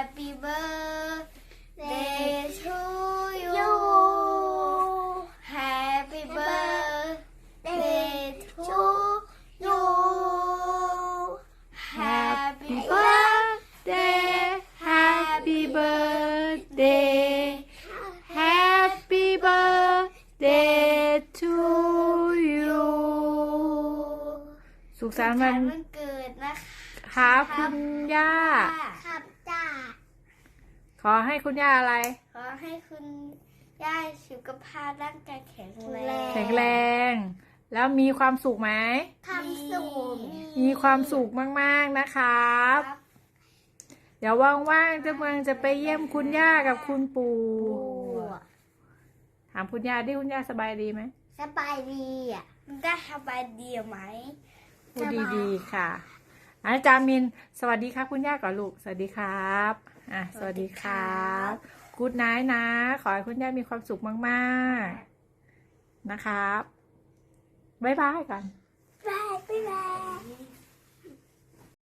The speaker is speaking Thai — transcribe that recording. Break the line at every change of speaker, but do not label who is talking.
Happy birthday to you Happy birthday to you Happy
birthday Happy birthday Happy birthday to you สุขสันต์วัน
เกิดนะคะ
คุณย่า
ครับจ้า
ขอให้คุณย่าอะไร
ขอให้คุณย่าสุขภาพร่างกายแข็ง
แรง แล้วมีความสุขไหมมีความสุขมากๆนะครับเดี๋ยวว่างๆเจ้าเมืองจะไปเยี่ยมคุณย่ากับคุณปู่ถามคุณย่าดิคุณย่าสบายดีไหม
สบายดีอ่ะได้สบายดีไหม
พูดดีๆค่ะอาจารย์มินสวัสดีครับคุณย่าก่อนลูกสวัสดีครับสวัสดีครับกู๊ดไนท์นะขอให้คุณย่ามีความสุขมากๆนะครับบ๊ายบายก่อน
บ๊ายบาย